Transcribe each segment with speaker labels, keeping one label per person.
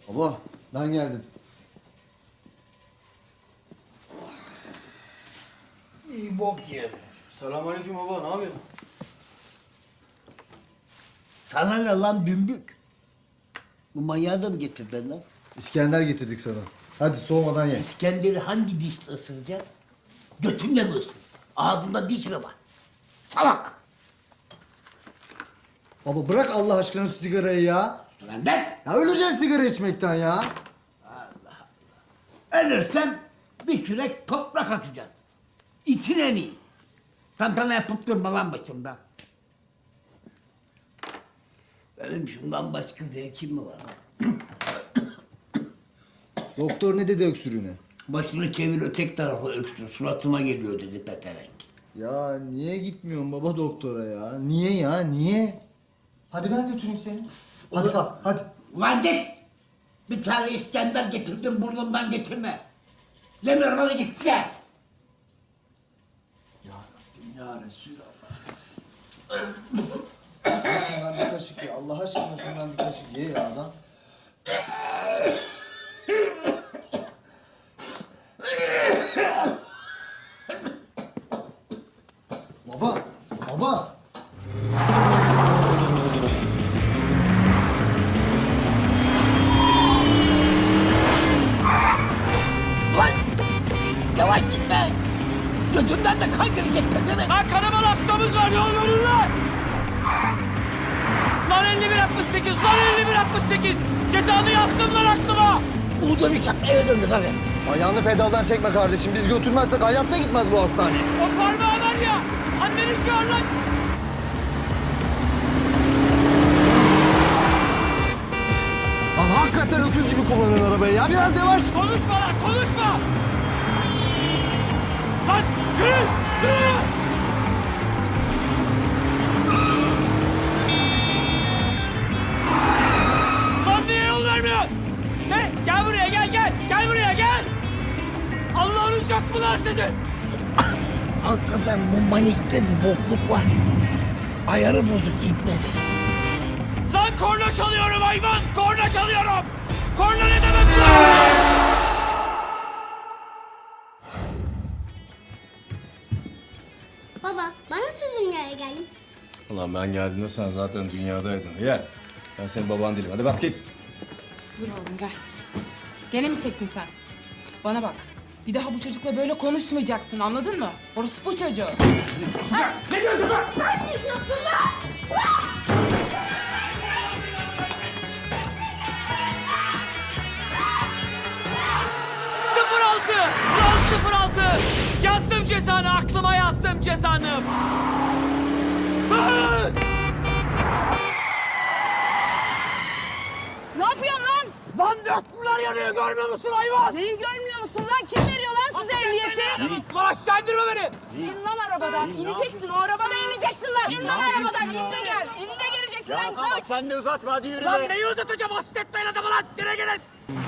Speaker 1: Baba ben geldim.
Speaker 2: İyi bok yedi.
Speaker 1: Selamünaleyküm baba, ne yapıyorsun?
Speaker 2: Sana ne lan dümbük? Bu manyağı da mı getirdin lan?
Speaker 1: İskender getirdik sana. Hadi soğumadan ye.
Speaker 2: İskender'i hangi dişle ısıracaksın? Götünle mi ısır? Ağzında diş mi var? Salak!
Speaker 1: Baba bırak Allah aşkına şu sigarayı ya.
Speaker 2: Benden
Speaker 1: Ya öleceğiz sigara içmekten ya.
Speaker 2: ölürsen bir kürek toprak atacaksın. İçin en iyi. Tantana yapıp durma lan başımda. Benim şundan başka zevkim mi var?
Speaker 1: Doktor ne dedi öksürüğüne?
Speaker 2: Başını çevir ötek tarafa öksür. Suratıma geliyor dedi peterenk.
Speaker 1: Ya niye gitmiyorsun baba doktora ya? Niye ya, niye? Hadi ben götüreyim seni. Hadi kalk, hadi.
Speaker 2: Ulan git! Bir tane İskender getirdim burnumdan getirme. Demiyorum hadi git ya.
Speaker 1: Ya Rabbim ya Resulallah. Şundan bir kaşık ye. Allah aşkına şundan bir kaşık ye ya adam. Baba, baba.
Speaker 2: Ulan! Yavaş gitme! Gözümden de kan girecek pezevenk.
Speaker 3: Lan kanaman hastamız var yol verin lan! Lan 5168, lan 5168! Cezanı yazdım lan aklıma!
Speaker 2: Uğurdan uçak eve döndür hadi.
Speaker 1: Ayağını pedaldan çekme kardeşim. Biz götürmezsek hayatta gitmez bu hastaneye.
Speaker 3: O parmağı var ya, anneni çağır lan!
Speaker 1: Lan hakikaten öküz gibi kullanıyorsun arabayı ya. Biraz yavaş.
Speaker 3: Konuşma lan, konuşma! Lan yürü, yürü! Lan niye yol vermiyorsun? Ne? Gel buraya, gel, gel! Gel buraya, gel! Allah'ınız yok mu lan sizin?
Speaker 2: Hakikaten bu manikte bir bokluk var. Ayarı bozuk ibnet.
Speaker 3: Lan korna çalıyorum hayvan! Korna çalıyorum! Korna ne demek lan?
Speaker 4: Baba, ben nasıl dünyaya geldim?
Speaker 5: Ulan ben geldiğinde sen zaten dünyadaydın. Yer. Ben senin baban değilim. Hadi bas git.
Speaker 6: Dur oğlum gel. Gene mi çektin sen? Bana bak. Bir daha bu çocukla böyle konuşmayacaksın anladın mı? Orası bu çocuğu.
Speaker 3: Ne diyorsun lan?
Speaker 6: Ne diyorsun lan?
Speaker 3: Sıfır altı! Kural 06! Yazdım cezanı, aklıma yazdım cezanı! Ah!
Speaker 6: Ne yapıyorsun lan?
Speaker 3: Lan döktüler yanıyor, görmüyor musun hayvan?
Speaker 6: Neyi görmüyor musun lan? Kim veriyor lan size ehliyeti?
Speaker 3: Lan aşağı indirme beni!
Speaker 6: İn lan arabadan. İneceksin. O arabadan ineceksin lan. İn lan arabadan. İn de gel. İn de geleceksin lan. Koş.
Speaker 3: Sen de uzatma, hadi yürü. Lan neyi uzatacağım? Asit etmeyin adamı lan! Gene gelin!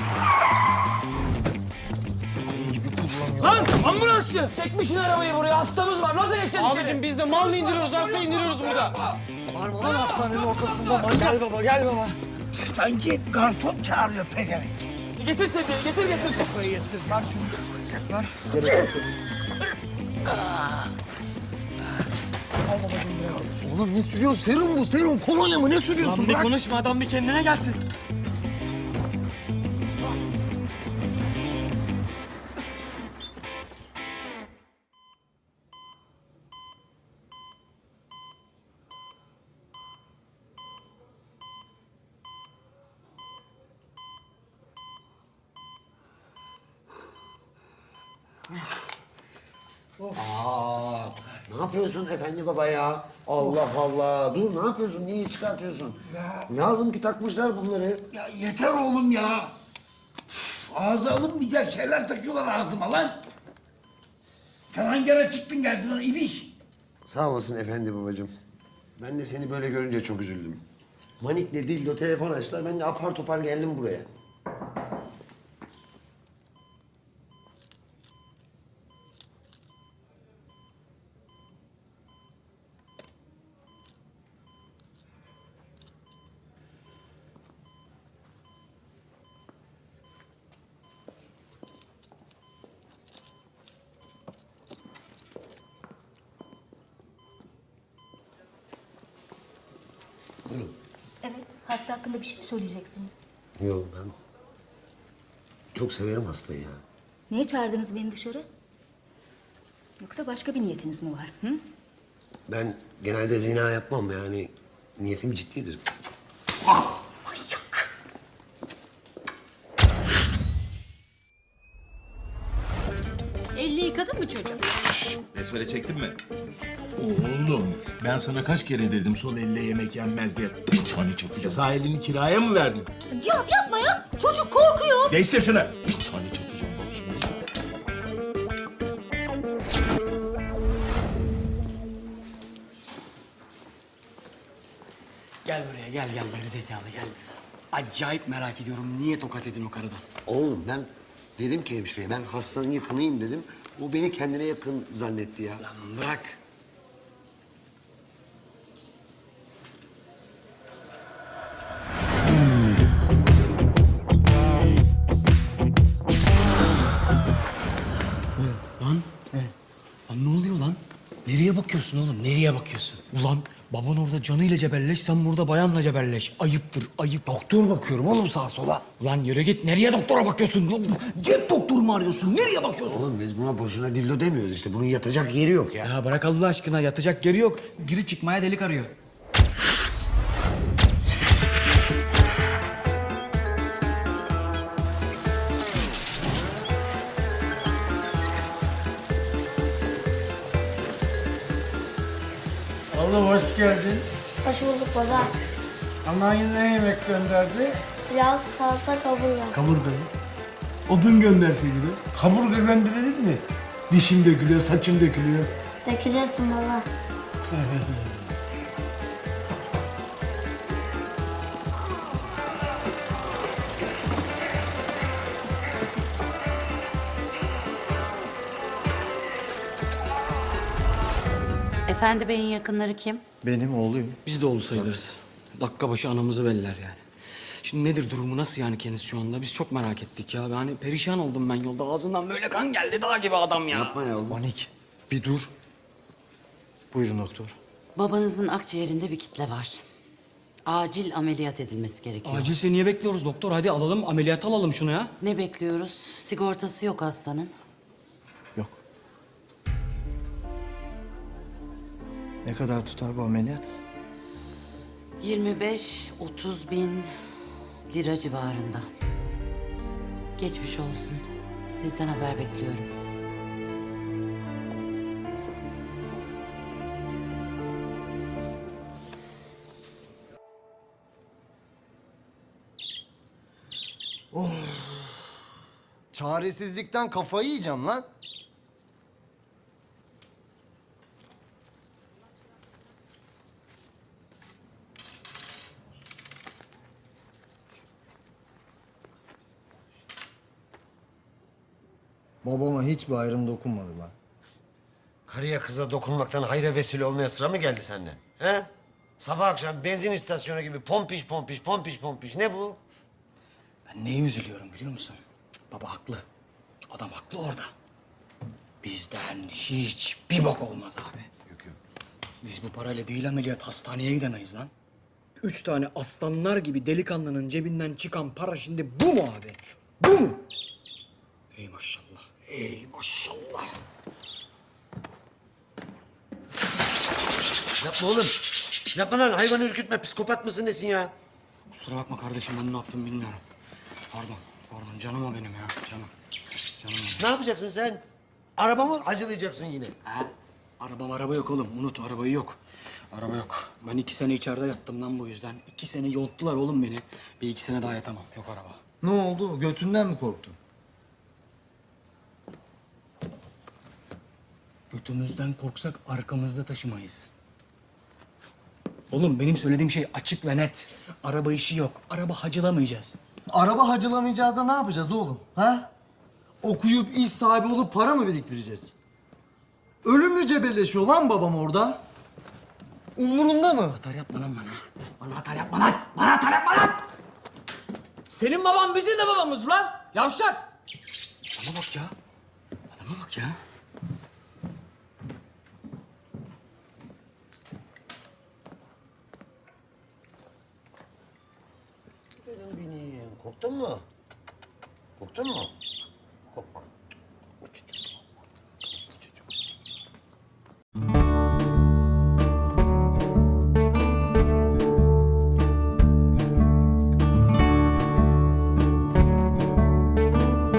Speaker 3: Lan ambulansçı! Çekmişsin arabayı buraya, hastamız var. Nasıl geçeceğiz içeri? Abicim biz de mal mı indiriyoruz, hasta indiriyoruz burada.
Speaker 1: Var mı lan hastanenin ortasında manyak?
Speaker 3: Gel baba, gel baba.
Speaker 2: Sanki garson çağırıyor pezevenk.
Speaker 3: Getir seni, getir.
Speaker 2: Kafayı yatır. Ver şunu.
Speaker 1: Oğlum ne sürüyorsun? Serum bu, serum. Kolonya mı? Ne sürüyorsun?
Speaker 3: Lan bir
Speaker 1: Bırak.
Speaker 3: konuşma, adam bir kendine gelsin.
Speaker 7: Ne yapıyorsun efendi baba ya? Allah Allah. Dur ne yapıyorsun? Niye çıkartıyorsun? Lazım ki takmışlar bunları.
Speaker 2: Ya yeter oğlum ya. Ağza alınmayacak şeyler takıyorlar ağzıma lan. Sen hangi ara çıktın geldin lan ibiş?
Speaker 7: Sağ olasın efendi babacığım. Ben de seni böyle görünce çok üzüldüm. Manik'le Dildo telefon açtılar. Ben de apar topar geldim buraya.
Speaker 8: Evet, hasta hakkında bir şey mi söyleyeceksiniz?
Speaker 7: Yok ben çok severim hastayı ya.
Speaker 8: Niye çağırdınız beni dışarı? Yoksa başka bir niyetiniz mi var? Hı?
Speaker 7: Ben genelde zina yapmam yani niyetim ciddidir.
Speaker 8: Elini yıkadın mı çocuğum?
Speaker 9: Besmele çektin mi? Oğlum ben sana kaç kere dedim sol elle yemek yenmez diye. Bir tane çakacağız. Sağ elini kiraya mı verdin?
Speaker 8: Cihat yapma ya! Çocuk korkuyor!
Speaker 9: Değiştir şunu. Bir tane çakacağım bak şimdi.
Speaker 3: Gel buraya gel gerizekalı gel. Acayip merak ediyorum niye tokat edin o karıdan?
Speaker 7: Oğlum ben dedim ki hemşireye ben hastanın yakınıyım dedim. O beni kendine yakın zannetti ya.
Speaker 3: Lan bırak. Lan. Lan ne oluyor lan? Nereye bakıyorsun oğlum? Nereye bakıyorsun? Ulan baban orada canıyla cebelleş, sen burada bayanla cebelleş. Ayıptır, ayıp.
Speaker 7: Doktor bakıyorum oğlum sağa sola.
Speaker 3: Ulan yürü git. Nereye doktora bakıyorsun? Cep doktoru mu arıyorsun? Nereye bakıyorsun?
Speaker 7: Oğlum biz buna boşuna dildo demiyoruz işte. Bunun yatacak yeri yok ya.
Speaker 3: Ya bırak Allah aşkına. Yatacak yeri yok. Girip çıkmaya delik arıyor.
Speaker 2: Oğlum hoş geldin.
Speaker 4: Hoş bulduk baba.
Speaker 2: Anan yine yemek gönderdi.
Speaker 4: Pilav, salata, kaburga.
Speaker 2: Kaburga mı? Odun gönderseydi be. Kaburga gönderilir mi? Dişim dökülüyor, saçım dökülüyor.
Speaker 4: Dökülüyorsun baba.
Speaker 10: Efendi Bey'in yakınları kim?
Speaker 1: Benim oğluyum.
Speaker 3: Biz de oğlu sayılırız. Dakika başı anamızı beller yani. Şimdi nedir durumu, nasıl yani kendisi şu anda? Biz çok merak ettik ya. Yani perişan oldum ben yolda. Ağzından böyle kan geldi, dağ gibi adam ya.
Speaker 7: Yapma ya oğlum.
Speaker 1: Panik. Bir dur. Buyurun doktor.
Speaker 10: Babanızın akciğerinde bir kitle var. Acil ameliyat edilmesi gerekiyor.
Speaker 3: Acilse niye bekliyoruz doktor? Hadi alalım, ameliyat alalım şunu ya.
Speaker 10: Ne bekliyoruz? Sigortası yok hastanın.
Speaker 1: Yok. Ne kadar tutar bu ameliyat?
Speaker 10: 25-30 bin lira civarında. Geçmiş olsun. Sizden haber bekliyorum.
Speaker 1: Çaresizlikten kafayı yiyeceğim lan. Babama hiçbir ayrım dokunmadı lan.
Speaker 7: Karıya kıza dokunmaktan hayra vesile olmaya sıra mı geldi senden? He? Sabah akşam benzin istasyonu gibi pompiş pompiş pompiş pompiş. Ne bu?
Speaker 3: Ben neye üzülüyorum biliyor musun? Baba haklı. Adam haklı orada. Bizden hiçbir bok olmaz abi.
Speaker 7: Yok yok.
Speaker 3: Biz bu parayla değil ameliyat hastaneye gidemeyiz lan. 3 tane aslanlar gibi delikanlının cebinden çıkan para şimdi bu mu abi? Bu mu? Ey maşallah. Ey maşallah.
Speaker 7: Yapma oğlum. Yapma lan hayvanı ürkütme. Psikopat mısın nesin ya?
Speaker 3: Kusura bakma kardeşim ben ne yaptım bilmiyorum. Pardon canım o benim ya canım. Canım o.
Speaker 7: Ne yapacaksın sen? Arabamı acılayacaksın yine.
Speaker 3: Ha? Araba yok oğlum. Unut arabayı yok. Araba yok. Ben 2 sene içeride yattım lan bu yüzden. 2 sene yonttular oğlum beni. Bir 2 sene daha yatamam. Yok araba.
Speaker 1: Ne oldu? Götünden mi korktun?
Speaker 3: Götümüzden korksak arkamızda taşımayız. Oğlum benim söylediğim şey açık ve net. Araba işi yok. Araba hacılamayacağız.
Speaker 1: Araba hacılamayacağız da ne yapacağız oğlum? Ha? Okuyup iş sahibi olup para mı biriktireceğiz? Ölümle cebelleşiyor lan babam orada. Umurunda mı?
Speaker 3: Atar yapma lan bana. Bana atar yapma lan. Bana atar yapma lan. Senin baban bizim de babamız lan. Yavşak. Adama bak ya. Adama bak ya.
Speaker 7: Korktun mu? Korktun mu? Korkma. Korkma çocuğum.